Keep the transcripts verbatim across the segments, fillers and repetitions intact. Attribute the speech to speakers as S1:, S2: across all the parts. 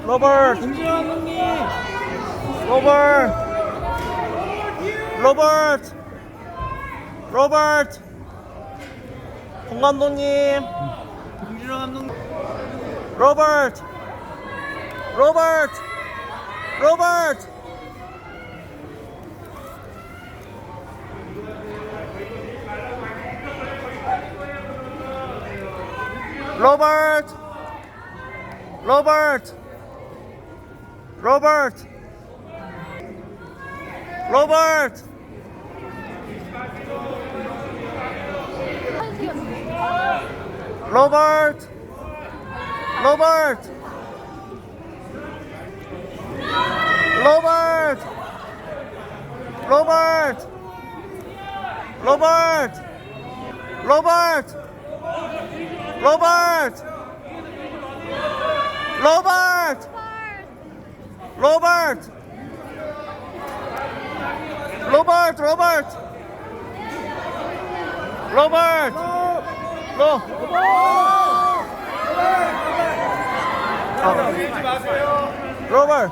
S1: 로버트
S2: 김지영 감독님.
S1: 로버트 로버트 로버트 홍 감독님
S2: 김지영 감독님.
S1: 로버트 로버트 로버트 로버트 로버트 로버트 로버트 로버트 로버트 로버트 로버트 로버트 로버트 로버트 로버트 로버트 로버트 로버트 로버트 로
S2: 밀지 마세요.
S1: 로버트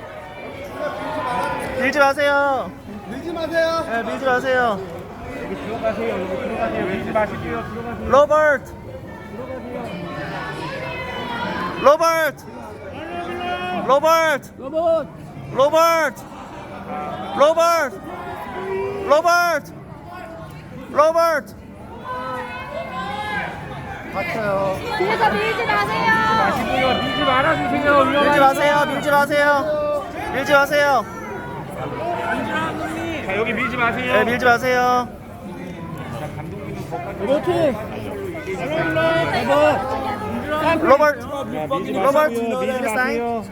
S1: 밀지 마세요.
S2: 밀지 마세요.
S1: 네, 밀지 마세요.
S2: 여기 들어가세요. 여기 들어가세요. 밀지 마시고요. 들어가세요.
S1: 로버트 로버트 로버트
S2: 로봇.
S1: 로버트 로버트 로버트 로버트 맞춰요.
S3: 뒤에서 밀지 마세요.
S2: 마시고요. 밀지 말아주세요.
S1: 밀지 마세요. 밀지 마세요. 밀지 마세요.
S2: 자, 여기 밀지 마세요.
S1: 네, 밀지 마세요.
S2: 로봇. 로봇.
S1: 로버트
S2: 밀지
S1: 로버트
S2: 마시고요. 밀지
S1: 밀지
S2: 마세요.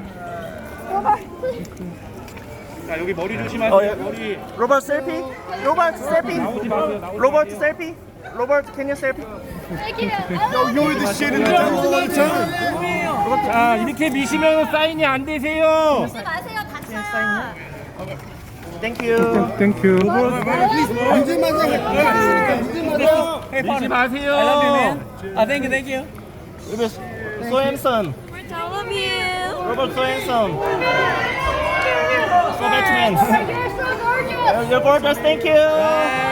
S2: 자, 여기 머리 조심하세요.
S1: 어, 예.
S2: 머리.
S1: 로버트 셀피? 로버트 셀피?
S2: 나오지 마세요. 나오지
S1: 로버트
S2: 마세요.
S1: 셀피? 로버트 can you selfie?
S2: 자, 이렇게 미시면 사인이 안 되세요.
S3: 밀지 마세요. 다쳐요.
S1: Thank you.
S2: 땡큐.
S4: 밀지 마세요.
S2: 밀지 마세요. 아, 땡큐, 땡큐.
S1: Robert so handsome.
S3: We're all of you.
S1: Robert so handsome. So Batman.
S3: You're so gorgeous.
S1: You're gorgeous. Thank you.